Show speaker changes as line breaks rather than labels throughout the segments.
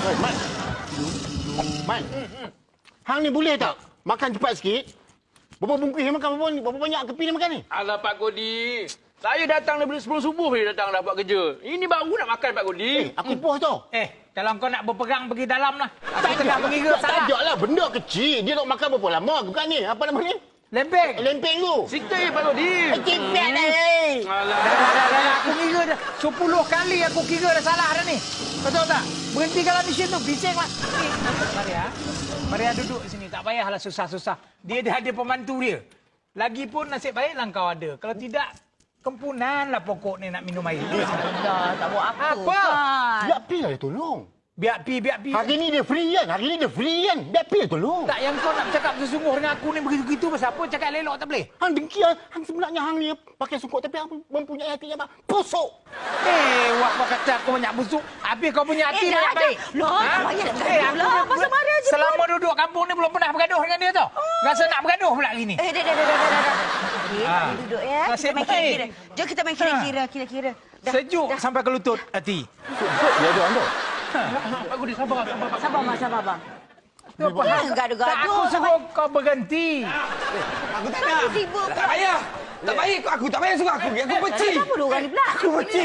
Mat. Mat. Hang ni boleh tak? Makan cepat sikit. Berapa bungkus yang makan? Berapa banyak kepi dia makan ni?
Alah, Pak Godi. Saya datang daripada sebelum subuh dia datang dah buat kerja. Ini baru nak makan, Pak Godi.
Aku bos tau.
Kalau kau nak berperang pergi dalam lah. Aku
Tak
tengah mengira salah.
Tak lah. Benda kecil. Dia nak makan berapa lama? Bukan ni. Apa nama ni?
Lempeng.
Lempeng tu.
Sikit je, Pak Godi.
Cipet dah.
Alah.
Dah. Aku kira dah. 10 kali aku kira dah salah dah ni. Kau tahu tak? Berhentikanlah mesin tu. Bising lah. Maria. Maria duduk di sini. Tak payahlah susah-susah. Dia dah ada pembantu dia. Lagipun nasib baiklah kau ada. Kalau tidak, kempunan lah pokok ni nak minum air.
Dah, tak buat apa kan.
Biar Pi lah dia tolong.
Biar pi.
Hari ni dia free kan? Biar Pi lah tolong.
Tak, yang kau nak cakap bersungguh dengan aku ni begitu-begitu pasal apa? Cakap elok tak boleh?
Hang dengki. Hang sebenarnya hang ni pakai sungkuk tapi hang mempunyai hati yang busuk.
Wak kata aku banyak busuk. Habis kau punya hati banyak baik.
Loh, tak payah nak gaduh lah. Pasal Maria je.
Selama duduk kampung ni belum pernah bergaduh dengan dia tau. Rasa nak bergaduh pula hari ni.
Dah. Duduk ya.
Nasib
Kita main
baik.
kira-kira. Jom kita main kira-kira. Dah,
Sejuk
dah.
sampai ke lutut hati.
Dia ada anda.
Pak Godi, sabar.
Sabar, bang.
Tu apa hal?
Jangan gaduh-gaduh.
Tak, aku suruh kau berhenti.
Aku tak nak.
Aku sibuk.
Tak payah. Tak payah. Aku tak payah suruh aku. Aku benci.
Kenapa dua orang ni pula?
Aku benci.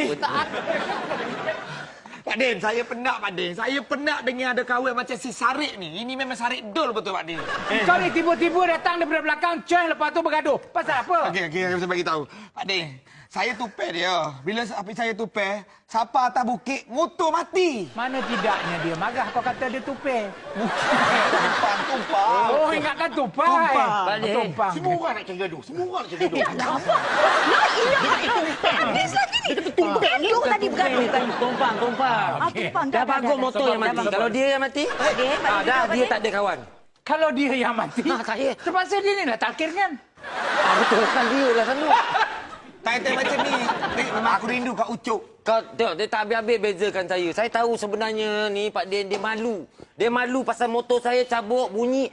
Pak Din, saya penat Pak Din. Saya penat dengar ada kawan macam si Sarik ni. Ini memang Sarik dol betul Pak Din.
Kau ni tiba-tiba datang daripada belakang, coy lepas tu bergaduh. Pasal apa?
Okey, saya bagi tahu. Pak Din, saya tupai dia. Bila api saya tupai, siapa atas bukit, motor mati.
Mana tidaknya dia marah kau kata dia tupai.
Tumpang.
Oh, ingatkan tupai. Tumpang.
Semua orang nak cari gaduh.
Ya, dah apa? Lah, habis lagi ni. Dia tadi bergaduh kan.
Tumpang.
Tumpang.
Dah bagus motor yang mati. Kalau dia yang mati, dah dia tak ada kawan.
Kalau dia yang mati,
saya.
terpaksa dia ni lah takir kan?
Betul kan dia lah selalu.
Tai-tai macam ni, memang aku rindu kat Ucok.
Kau tengok, dia tak habis-habis bezakan saya. Saya tahu sebenarnya ni Pak Din, dia malu. Dia malu pasal motor saya cabuk bunyi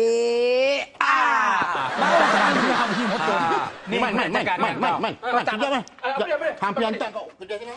Baru jangan dengar bunyi motor. Ni
Man.
Kau tak
Sekejap, Man.
Apa?
Hampir hantar kau kedai sana.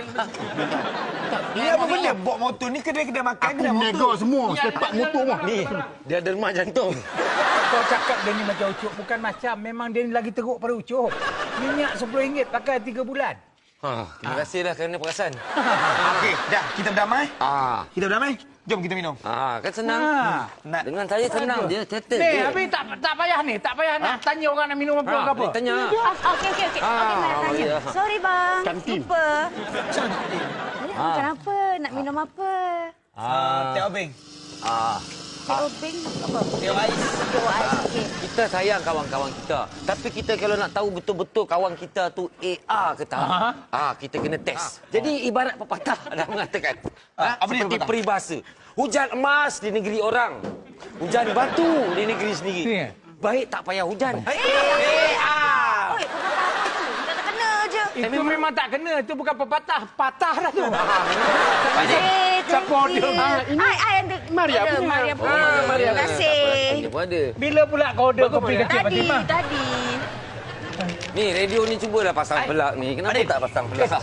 Dia apa benda? Bawa motor ni kedai-kedai makan,
Aku
kedai motor.
nego semua. Sepak motor mah.
ni. Dia ada remah jantung.
Kau cakap dia ni macam Ucok. Bukan macam. Memang dia ni lagi teruk pada Ucok. Minyak RM10 pakai 3 bulan.
Terima kasihlah kerana perasan.
Okey, dah. Kita berdamai? Kita berdamai? Jom kita minum.
Kan senang.
Nak
Dengan saya senang je, settle
Ni,
je.
habis tak payah ni. Tak payah nak tanya orang nak minum apa ke apa.
Boleh tanya.
Okey. Okey, nak tanya.
ya.
Sorry, bang.
Kantin.
Lupa. Jadi, makan apa? Nak minum apa?
teh obeng.
Teh obeng apa?
Teh ais.
Teh ais. Okey.
Kita sayang kawan-kawan kita. Tapi kita kalau nak tahu betul-betul kawan kita tu A ke tak, kita kena test. Jadi ibarat pepatah dah mengatakan,
Apa dia
seperti
pepatah?
peribahasa. Hujan emas di negeri orang, hujan batu di negeri sendiri.
Ya.
Baik tak payah hujan.
Oi, pepatah apa tu? Kita tak kena je.
Itu memang tak kena. Itu bukan pepatah. Patah dah tu.
Siapa
order?
Ai ada.
Maria punya.
Maria punya. Terima kasih.
Dia pun ada.
Bila pula kau order kopi kecil Fatimah?
Tadi.
Ni radio ni cubalah pasang pelak ni. Kenapa tak pasang pelak?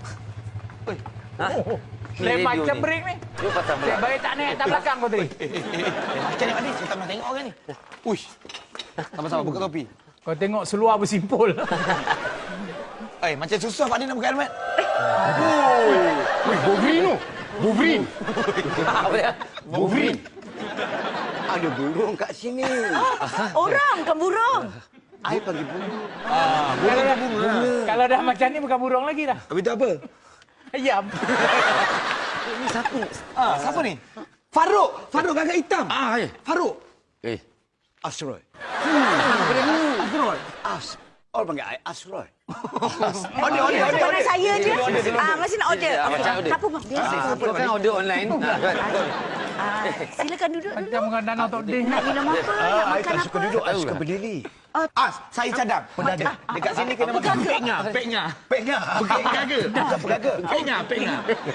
Ni
Lain
radio
macam
ni.
break ni.
Dia pasang
Cik
pelak.
baik tak naik atas belakang kau tadi.
Macam ni Pak Din, saya tak pernah tengok orang ni. Uish. Sama-sama buka topi.
Kau tengok seluar bersimpul.
Macam susah Pak Din nak buka helmet.
Wolverine tu. Wolverine.
Apa dia?
Wolverine.
Ada burung kat sini.
Orang bukan burung.
I panggil burung.
Kalau dah macam ni bukan burung lagi dah.
Habis tu apa?
Ayam.
Ni siapa ni?
Siapa ni? Faruk. Faruk gagak hitam.
Ya.
Faruk.
Asroy.
Faruk.
Orang panggil I Asroy.
Bukan saya je. Masih nak order.
macam order.
Apa bang? Biasa.
Kau kan order online.
Silakan duduk dulu.
Macam dengan danau Tok Ding.
Nak minum apa? Nak makan apa?
Duduk, I suka berdiri.
Saya cadang. Dekat sini kena makan peknya. Peknya. Bukan pegaga. Bukan pegaga. Peknya.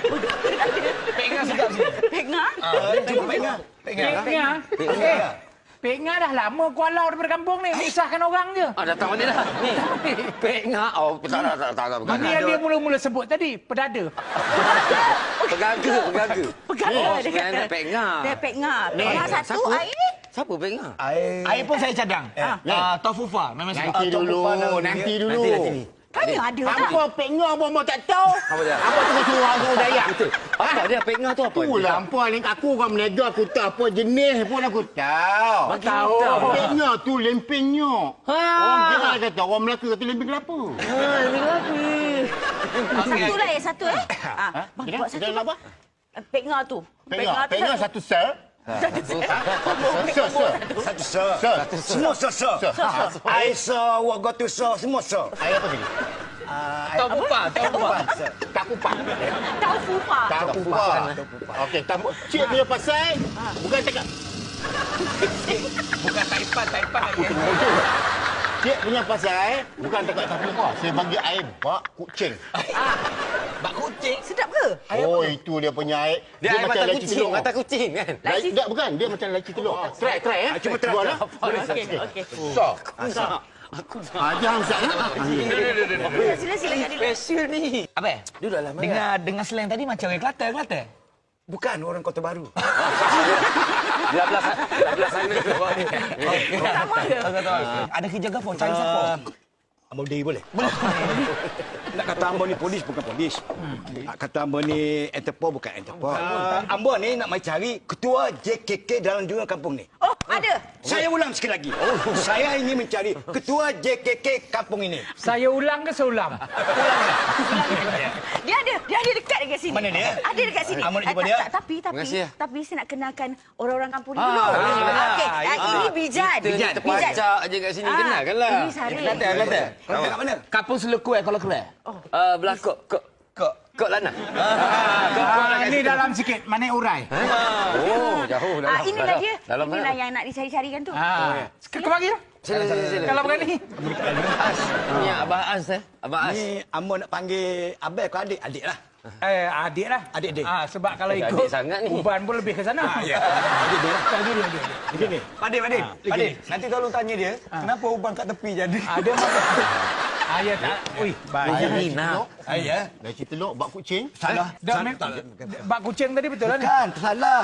Pekna?
Cuba peknya.
Peknya. Pek Ngah dah lama kualau daripada kampung ni. Menyusahkan orang je.
Datang balik dah. Ni. Pek Ngah. Oh, tak.
Ini yang dia mula-mula sebut tadi. Pedada.
Pegaga.
Pegang dia kata.
Pek Ngah.
Dia Pek Ngah. Pek Ngah satu
Siapa?
air.
Siapa Pek Ngah?
Air pun saya cadang. Tofufa. Memang
Nanti dulu. Nanti dulu.
Tanya ada tak?
Apa Pek Ngah abang tak tahu?
Apa dia?
Apa tu suruh Dayak?
Apa dia? Pek Ngah tu apa?
Itulah apa ni aku orang meniaga aku tahu apa jenis pun aku tahu.
Tahu.
Pek Ngah tu lempeng nyok. Orang kira kata orang Melaka kata lempeng kelapa.
Satu lah satu Bang,
Kita
buat satu.
kita nak apa?
Pek Ngah tu.
Pek Ngah satu sel.
Satu sir. Semua sir. I saw, what got to saw, semua sir.
Air apa tadi?
Tofufa.
Takupan.
Tahu fupa.
Takupan. Okey, cik punya pasal bukan cakap.
Bukan Taipan.
Cik punya pasal bukan cakap takupan. Saya bagi air bak kucing.
Bak kucing.
Sedap ke?
Oh, itu dia punya air.
Dia air mata
laci
kucing.
telur.
Mata kucing kan?
Tak, bukan. Dia macam laci telur. Try ya.
Cuba try.
Buat lah.
Okey.
Sok. Jangan usah.
Sila kat dia.
Special ni.
Apa?
Duduklah.
Dengar slang tadi macam orang Kelantan.
Bukan orang Kota Baru.
Belah sana tu orang ni.
Ada kerja apa? Cari siapa?
Ambo Day boleh? Nak kata Ambo ni polis bukan polis. Nak kata Ambo ni Interpol bukan Interpol. Ambo ni nak mai cari ketua JKK dalam juga kampung ni.
Oh, ada.
Saya ulang sekali lagi. Saya ingin mencari ketua JKK kampung ini.
Saya ulang ke seulang?
Dia ada dekat dekat sini.
Mana dia?
Ada dekat sini.
Amor nak jumpa dia?
Terima kasih, ya.
Tapi saya nak kenalkan orang-orang kampung ni dulu.
boleh.
Okey, ini Bijan.
Kita terpacak je kat sini. Kenalkanlah.
Ini Sarif.
Kelantan.
Kat mana?
Kampung Seluku kalau keren.
Belah kok lana.
Ini dalam sikit. Mana urai?
Oh, jauh dalam.
Inilah dia.
Dalam
Inilah yang nak dicari-carikan tu.
Kemari lah.
Sila.
Kalau berani.
Ni Abah As Abah As.
Ni Ambo nak panggil abang ke adik? Adik lah.
Adik lah.
Adik.
Sebab kalau
Adik
ikut
sangat ni.
Uban pun lebih ke sana.
Ya. Adik dia lah. Begini.
Padik, nanti tolong tanya dia, kenapa ubang kat tepi jadi?
Ada masa. Ya tak. Ui, baik.
Ni nak.
Ya.
Laci telur bak kucing.
Salah.
Bak kucing tadi betul lah ni.
Bukan, tersalah.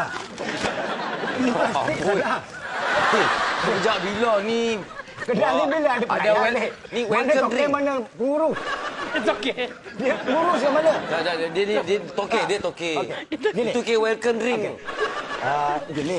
Sejak bila ni?
Kedai ni bila ada
Ada ni welcome drink.
Mana pengurus?
It's okay.
Dia pengurus yang mana?
Dia toke.
Gini.
Itu ke welcome drink.
Gini.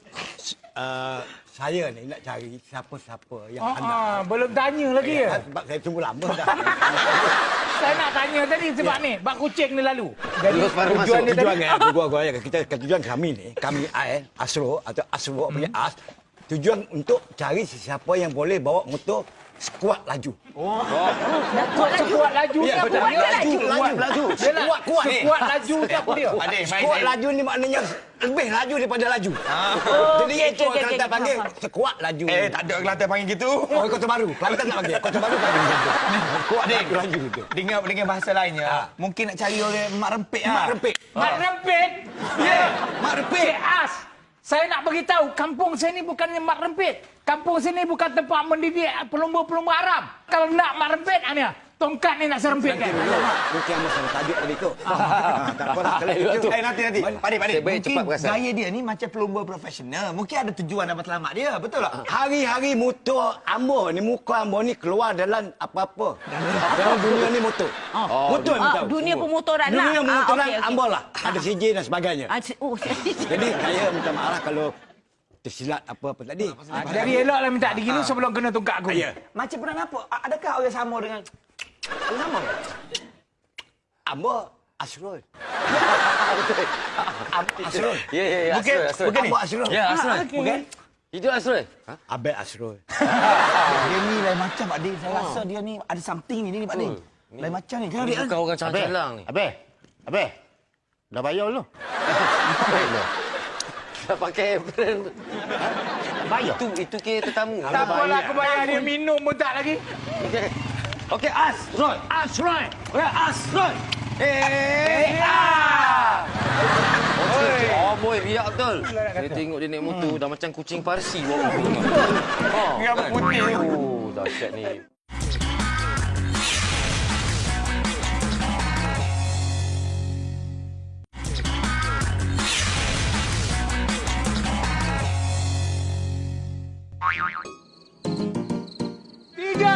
Saya ni nak cari siapa-siapa yang hendak.
Belum tanya lagi ya.
Sebab saya tunggu lama dah.
Saya nak tanya tadi sebab ni bak kucing ni lalu. Jadi
Terus baru masuk.
tujuan dia
Tujuan
tadi.
kita tujuan kami ni, kami Asro atau Asro punya As, tujuan untuk cari sesiapa yang boleh bawa motor skuad laju.
Sekuat laju
Ya,
siapa
betul.
dia?
Laju.
Yelah,
Kuat ni.
sekuat laju siapa dia?
Skuad laju ni maknanya lebih laju daripada laju. Jadi itu
okey,
Kelantan
okey,
panggil
faham.
skuad laju.
Tak ada Kelantan panggil gitu.
Oh, Kota Baru. Kelantan tak panggil. Kota Baru panggil gitu. Skuad laju gitu.
Dengan bahasa lainnya, mungkin nak cari orang mak rempit
Mak rempit.
Mak Rempit. Ya.
Mak rempit.
Cik As. Saya nak beritahu, kampung saya ni bukannya Mak Rempit. Kampung sini bukan tempat mendidik pelumba-pelumba Arab. Kalau nak Mak Rempit, tongkat ni nak serempitkan.
Mungkin yang masalah tajuk tadi tu. Tak apalah kalau itu.
Nanti. Padik.
Sebaik
Mungkin
cepat perasan.
gaya dia ni macam pelumba profesional. Mungkin ada tujuan nak selamat dia. Betul tak?
Hari-hari motor Ambo ni, muka Ambo ni keluar dalam apa-apa. Dalam dunia ni motor. Motor ni tahu.
Dunia pemotoran lah.
Dunia pemotoran
Okey.
Ambo lah. Ada CJ dan sebagainya. Jadi saya minta maaf lah kalau tersilap apa-apa tadi.
Jadi eloklah minta digini sebelum kena tongkat aku.
Ya.
Macam pernah nampak? Adakah orang sama dengan... Orang sama?
Ambo Asrul. Asrul.
Ya.
Bukan
Ambo Asrul.
Ya, Asrul.
Bukan?
Itu Asrul.
Abang Asrul.
Dia ni lain macam Pak Din. Saya rasa dia ni ada something ni Pak Din. Lain macam ni. Kenapa dia?
Bukan orang calang ni.
Abang. Dah bayar belum?
Dah pakai brand.
Bayar.
Itu kira tetamu.
Tak apalah aku bayar dia minum pun tak lagi.
Okey, Asrul.
Asrul.
Oh boy, biar betul. Saya tengok dia naik motor dah macam kucing Parsi bawa motor.
Rambut putih.
Oh, dahsyat ni.
Tiga.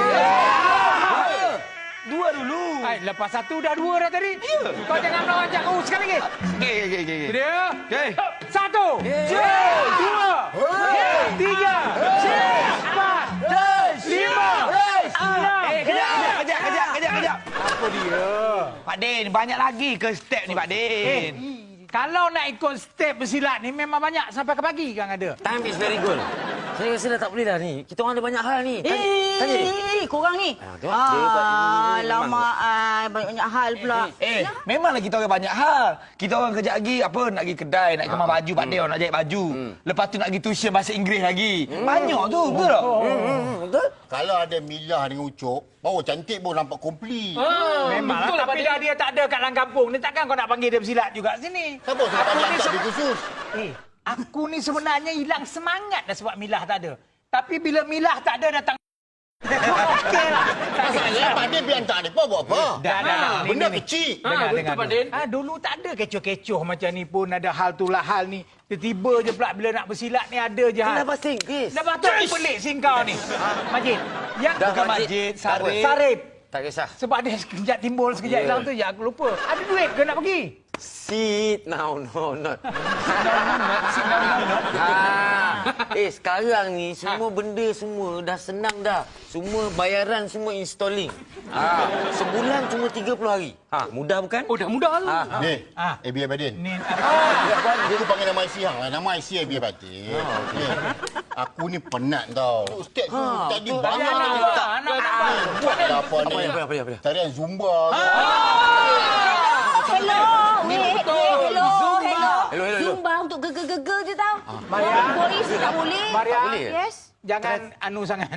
Dua dulu.
Hai, lepas satu dah dua dah tadi. Kau jangan melawan Cak Kau sekali lagi.
Okey.
Dia.
Okey.
Satu. Dua. Tiga. Empat. Lima. Enam.
Kejap.
Apa dia?
Pak Din, banyak lagi ke step ni Pak Din?
Kalau nak ikut step bersilat ni memang banyak sampai ke pagi kan ada.
Time is very good. Saya rasa dah tak boleh dah ni. Kita orang ada banyak hal ni. Tanya dia.
Korang ni.
Tengok dia buat ini,
Lama banyak hal pula.
Memanglah kita orang banyak hal. Kita orang kejap lagi apa nak pergi kedai, nak kemas baju Pak Din, nak jahit baju. Lepas tu nak pergi tuition bahasa Inggeris lagi. Banyak tu, betul tak?
Betul?
Kalau ada Milah dengan Ucok, baru cantik pun nampak komplit.
Memang lah, tapi dah dia tak ada kat dalam kampung ni takkan kau nak panggil dia bersilat juga sini.
Siapa suruh
Aku
panggil
ni
tak khusus?
Aku ni sebenarnya hilang semangat dah sebab Milah tak ada. Tapi bila Milah tak ada datang okey lah.
Saya Pak Din biar tak ada apa buat apa.
Dah.
Benda
Ni.
kecil.
Betul Pak Din.
Dulu tak ada kecoh-kecoh macam ni pun ada hal tu lah hal ni. Tiba-tiba je pula bila nak bersilat ni ada je hal.
Kenapa sing, Chris?
Dah patut pelik sing kau ni. Majid. Yang
Dah,
bukan
Majid.
Majid, Sarip.
Tak kisah.
Sebab dia sekejap timbul, sekejap hilang tu je aku lupa. Ada duit ke nak pergi?
Sit now, no, not. Sekarang ni semua benda semua dah senang dah. Semua bayaran semua installing. Sebulan cuma 30 hari. Mudah bukan?
Oh, dah mudah tu.
Ni, biar Pak Din.
Ni
Dia tu panggil nama IC hang lah. Nama IC biar Pak Din. Ni, aku ni penat tau. Ustaz tu tadi banyak buatlah apa ni.
Apa?
Tarian Zumba.
Hello. Zumba untuk geger-geger je tau.
Maria.
Boys tak boleh.
Maria.
boleh.
Yes.
Jangan anu sangat.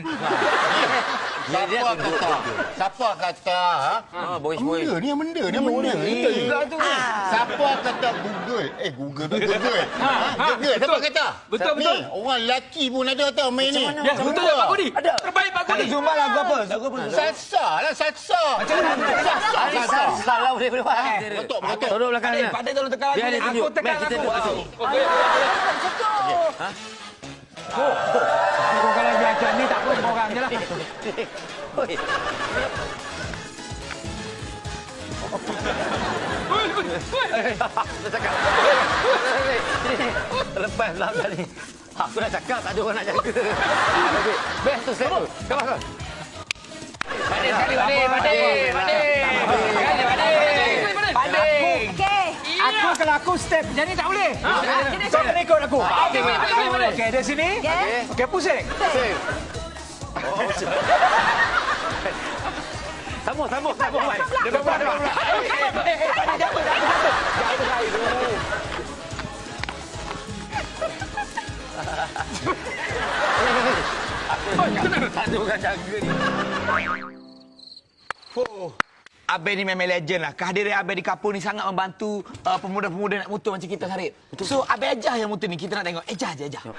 Siapa kata?
Boys.
Benda ni.
Kita juga tu.
Siapa kata Google? Google tu Google. Google, siapa kata?
Betul.
Ni, orang lelaki pun ada tau main ni.
Ya, betul tak Pak Kudi? Ada. Terbaik Pak Kudi.
Zumba lagu apa?
Salsa lah, salsa.
Salah boleh buat.
Betul.
Tolong belakang dia.
Pak Din tolong tekan
Biar dia
lagu.
tunjuk.
Aku tekan
Kita
lagu.
tunjuk.
Kau kalau macam ni tak apa korang je lah.
Oi. Dah cakap. Lepas lah tadi. Aku dah cakap tak ada orang nak jaga. Best tu step tu. Come on.
Padin sekali, Padin.
Okey.
Aku kalau aku step macam ni tak boleh. Kau kena ikut aku. Okey, dari sini. Okey, pusing.
Sambung.
Dia buat.
Tak ada orang jaga ni.
Abang ni memang legend lah. Kehadiran Abang di kampung ni sangat membantu pemuda-pemuda nak motor macam kita, Sarip. So, Abang ejah yang motor ni. Kita nak tengok. Ejah.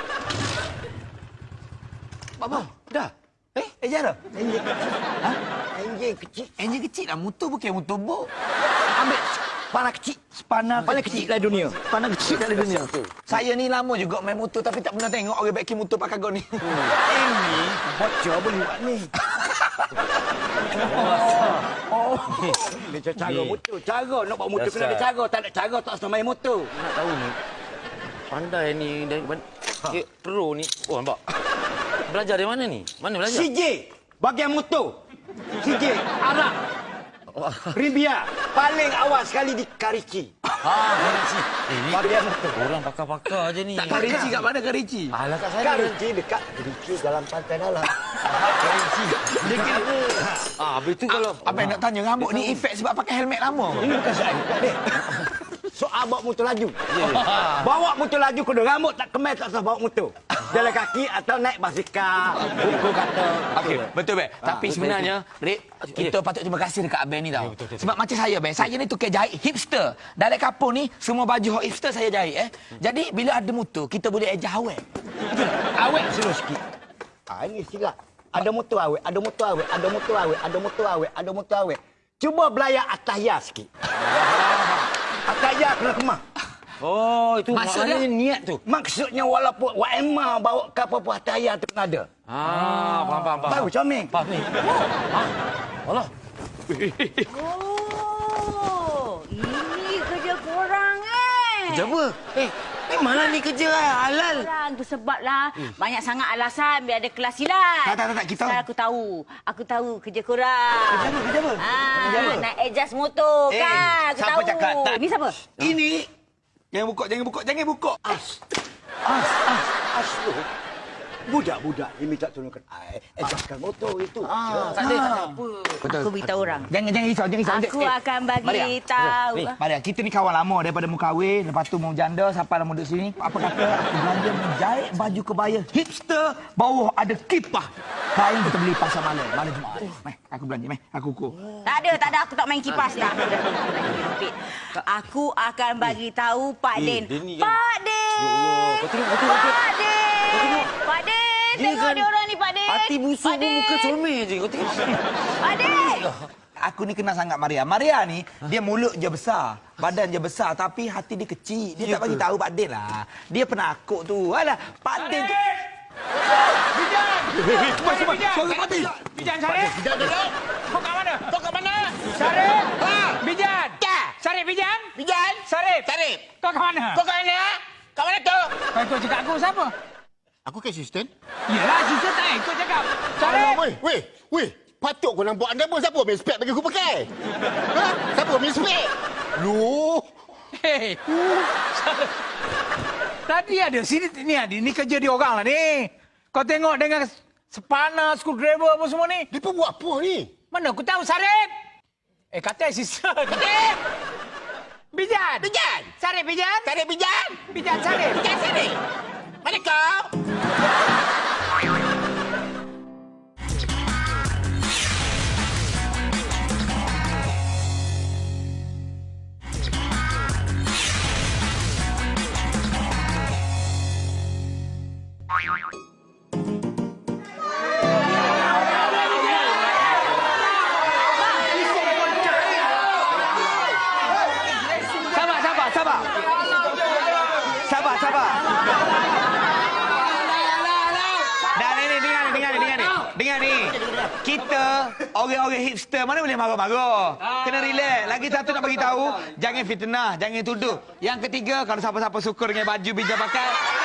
Apa?
Dah.
Ejah dah? Enjin kecil lah. Motor bukan motor bok. Ambil panah kecil. Panah kecil dalam dunia. Panah kecil dalam dunia. Saya ni lama juga main motor tapi tak pernah tengok orang baikin motor pakai gon ni. Ini bocor boleh buat ni.
Dia cara motor. Cara nak bawa motor kena ada cara. Tak ada cara tak usah main motor.
Nak tahu ni. Pandai ni dan pro ni. Oh nampak. Belajar dari mana ni? Mana belajar?
CJ bagian motor. CJ Arab. Ribia paling awal sekali di Karici.
Karici.
Bagian motor.
Orang pakar-pakar je ni.
Tak Karici kat mana Karici?
Alah kat sana.
Karici dekat Karici dalam pantai dalam.
Karici. Dia kira. Habis tu kalau
Abang nak tanya rambut ni efek sebab pakai helmet lama.
Ini bukan soal efek ni. Soal bawa motor laju. Bawa motor laju kena rambut tak kemas tak usah bawa motor. Jalan kaki atau naik basikal. Buku kata.
Okey, betul be. Tapi sebenarnya, Rik, kita patut terima kasih dekat Abang ni tau. Sebab macam saya be, saya ni tukar jahit hipster. Dalam kampung ni semua baju hot hipster saya jahit Jadi bila ada motor, kita boleh ejah awet. Betul tak? Awet slow sikit.
Ini silap. Ada motor awet, ada motor awet, ada motor awet, ada motor awet, ada motor awet. Cuba belayak ataya sikit. Ataya kena kemah.
Oh, itu
Maksudnya?
maknanya niat tu.
Maksudnya walaupun Wak bawa ke apa-apa ataya tu kena ada.
Faham.
Baru comel.
Faham ni. Allah.
Oh, ini kerja korang
Kerja apa? Mana ni kerja halal?
Korang tu sebablah banyak sangat alasan biar ada kelas silat.
Tak, kita.
Sekarang aku tahu kerja korang.
Kerja apa? Kerja apa?
Nak adjust motor kan. Aku
siapa
tahu.
cakap? Tak.
Ni siapa?
Ini jangan buka.
As tu. Budak-budak ni minta tolongkan ai. Adjustkan motor itu.
Tak ada.
Betul.
Aku beritahu orang.
Jangan risau.
Aku akan bagi tahu.
Maria, kita ni kawan lama daripada mu kahwin, lepas tu mau janda, sampai lama duduk sini. Apa kata aku belanja menjahit baju kebaya hipster, bawah ada kipah. Kain kita beli pasar malam Jumaat. Meh, aku belanja, aku ukur.
Tak ada. Aku tak main kipas dah. Aku akan bagi tahu Pak Din.
dia ni kan-
Pak Din.
Ya Allah, kau tengok.
Pak Din. Pak Din.
Dia
Tengok
kan
dia orang ni Pak Din.
Hati busuk
Pak
pun
Din.
muka comel je. Kau tengok.
Pak Din.
Aku ni kenal sangat Maria. Maria ni, dia mulut je besar, badan je besar, tapi hati dia kecil. Dia tak bagi tahu Pak Din lah. Dia penakut tu. Alah, Pak Din tu...
Bijan Sarip. Kau kat mana? Sarip. Bijan. Sarip Bijan. Sarip. Kau kat mana? Kat mana tu? Kau ikut cakap aku siapa?
Aku ke asisten?
Yelah, sister tak ikut cakap. Sarip.
Weh. Patut kau nampak anda pun siapa main spek bagi aku pakai? Siapa main spek? Lu.
Hei. Tadi ada sini ni kerja dia orang lah ni. Kau tengok dengan spana, screwdriver apa semua ni.
Dia pun buat apa ni?
Mana aku tahu Sarip? Kata sister. Sarip. Bijan. Sarip Bijan. Bijan Sarip.
Mana kau?
Sabar. Dan ini dengar ni. Kita orang-orang hipster mana boleh marah-marah. Kena relax. Lagi satu nak bagi tahu, jangan fitnah, jangan tuduh. Yang ketiga, kalau siapa-siapa suka dengan baju Bijan pakai,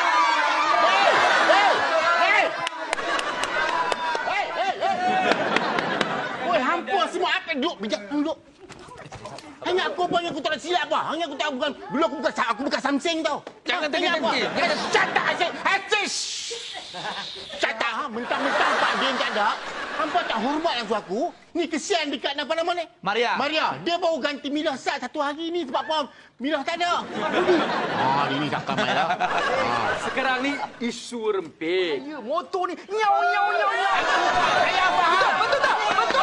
Woi, hampa semua apa duduk bijak duduk. Hanya aku apa yang aku tak silap apa? Hanya aku tak bukan dulu aku bukan Samsung tau.
Jangan
Hanya apa?
tengok-tengok.
Jangan cata asyik. Cata mentang-mentang Pak Din tak ada. Hampa tak hormat langsung aku. Ni kesian dekat nama-nama ni.
Maria.
Dia baru ganti milah sat satu hari ni sebab apa? Milah tak ada. Ini cakap mai lah.
Sekarang ni isu rempit.
Ya, motor ni nyau.
Saya faham. Betul tak?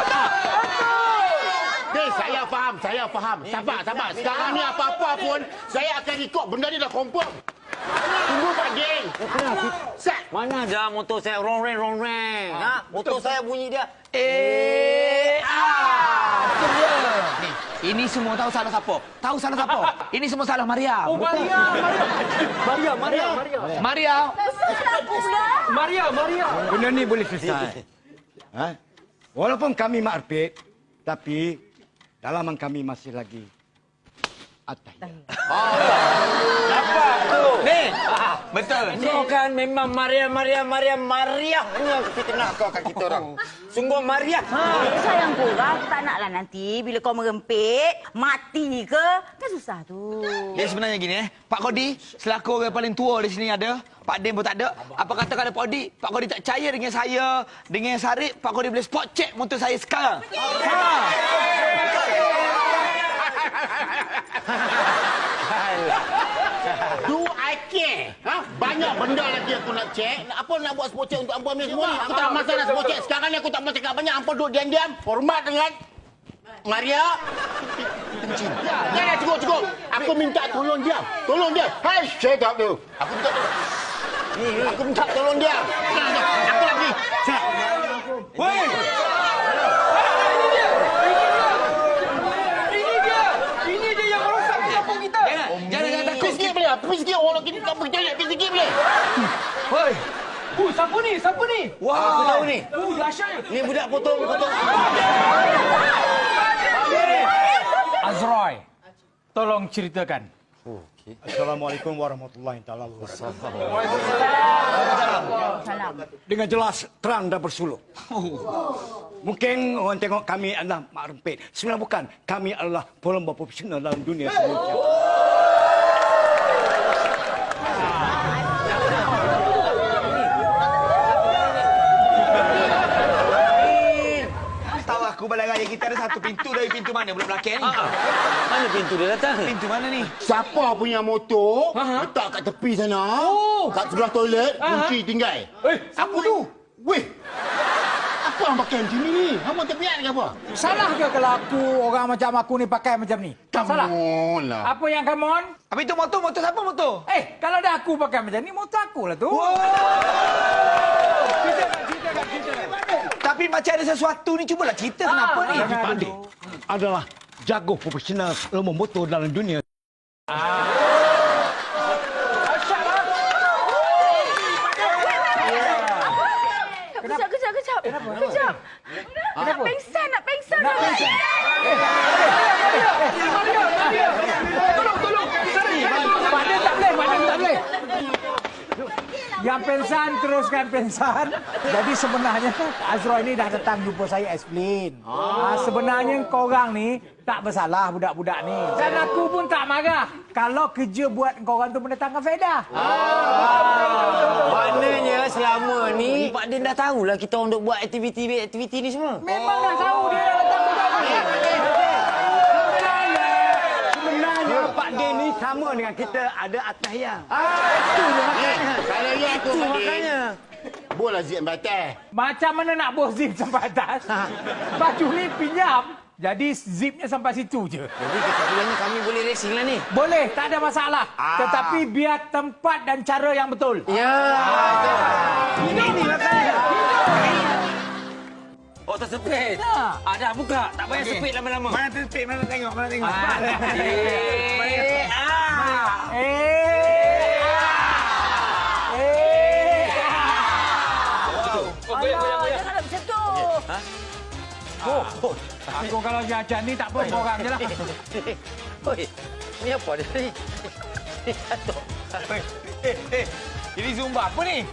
Saya faham. Sabar. Sekarang ni apa-apa pun, saya akan ikut. Benda ni dah confirm. Tunggu Pak Din. Sat.
Mana ada motor saya rong-reng. Motor saya bunyi dia.
Ini semua tahu salah siapa? Ini semua salah Maria.
Oh, Maria.
Maria.
Benda ni boleh selesai. Walaupun kami makrbit, tapi dalaman kami masih lagi ataya.
Dapat tu.
Ni. Betul.
Kau kan memang Maria. Hanya fitnah kau kat kita orang. Sungguh Maria.
Sayang korang, aku tak naklah nanti bila kau merempit, mati ke? Kan susah tu.
Dia sebenarnya gini Pak Kodi, selaku orang paling tua di sini ada. Pak Din pun tak ada. Apa kata kalau Pak Kodi tak percaya dengan saya, dengan Sarip, Pak Kodi boleh spot check motor saya sekarang.
Do I care? Banyak benda lagi aku nak cek. Apa nak buat spot check untuk Ambo ni semua ni? Aku tak masalah spot check. Sekarang ni aku tak mau cakap banyak. Ambo duduk diam-diam. Hormat dengan Maria. Kencing. Jangan cukup. Aku minta tolong dia. Tolong dia. Hai, shut up tu. Aku minta tolong. Aku minta tolong dia. Aku nak pergi. Cek.
Woi!
Ini dia yang merosak kampung kita.
Jangan takut.
Pergi sikit boleh? Pergi sikit. Orang kita tak pergi toilet. Pergi sikit boleh?
Hoi. Siapa ni? Siapa ni?
Wah, aku tahu ni.
Dahsyatnya.
Ni budak potong.
Azroy, tolong ceritakan.
Assalamualaikum warahmatullahi taala wabarakatuh.
Salam.
Dengan jelas, terang dan bersuluk. Mungkin orang tengok kami adalah mak rempit. Sebenarnya bukan. Kami adalah pelomba profesional dalam dunia semuanya.
Tahu aku balai raya kita ada satu pintu dari pintu mana budak belakang ni?
Mana pintu dia datang?
Pintu mana ni?
Siapa punya motor letak kat tepi sana, kat sebelah toilet, kunci tinggal.
Apa tu?
Weh, apa yang pakai macam ni? Hang terpiat ke apa?
Salah ke kalau orang macam aku ni pakai macam ni? Salah.
Come on lah.
Apa yang come on?
Apa itu motor? Motor siapa motor?
Kalau dah aku pakai macam ni, motor aku lah tu.
Tapi macam ada sesuatu ni, cubalah cerita kenapa ni?
Pak Dik adalah jago profesional lomba motor dalam dunia.
Kejap. Kejap. Nak pengsan.
Tolong.
Badan tak boleh. Yang pensan, teruskan pensan. Jadi sebenarnya Azroy ni dah datang jumpa saya explain. Sebenarnya korang ni tak bersalah budak-budak ni. Dan aku pun tak marah. Kalau kerja buat korang tu mendatangkan faedah.
Maknanya selama ni Pak Din dah tahulah kita orang duk buat aktiviti ni semua.
Memang dah tahu dia dah datang budak-budak.
Sebenarnya Pak Din ni sama dengan kita ada atahiyah.
Itu je makanya.
Kalau ya aku
Itu makanya.
bola zip batas.
Macam mana nak bos zip sampai atas? Baju ni pinjam. Jadi zipnya sampai situ je.
Jadi kesimpulannya kami boleh racing lah ni.
Boleh, tak ada masalah. Tetapi biar tempat dan cara yang betul.
Ya.
Ini makanya.
Oh, tersepit. Dah buka. Tak payah sepit lama-lama.
Mana tersepit? Mana tengok?
Alah, janganlah macam tu.
Aku kalau jajan ni tak apa, korang je lah.
Oi, ni apa dia ni? Jatuh.
Ini Zumba apa ni?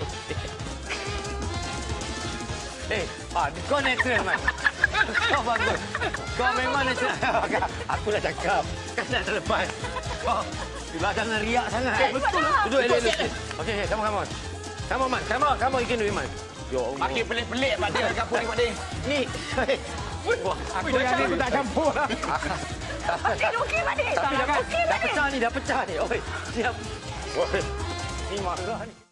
Kau natural, Man. Kau bagus. Kau memang natural. Aku dah cakap. Kan dah terlepas. Kau jangan riak sangat.
Betul.
Duduk, elok. Okey, come on. Come on, you can do it, Man. Ya Allah.
Makin pelik-pelik Pak Din dekat kampung ni Pak Din.
Ni.
Aku yang ni aku tak campur lah.
Okey, Pak Dik.
Tapi
Okey, Pak Dik.
dah pecah ni. Oi, siap. Oi, ni marah ni.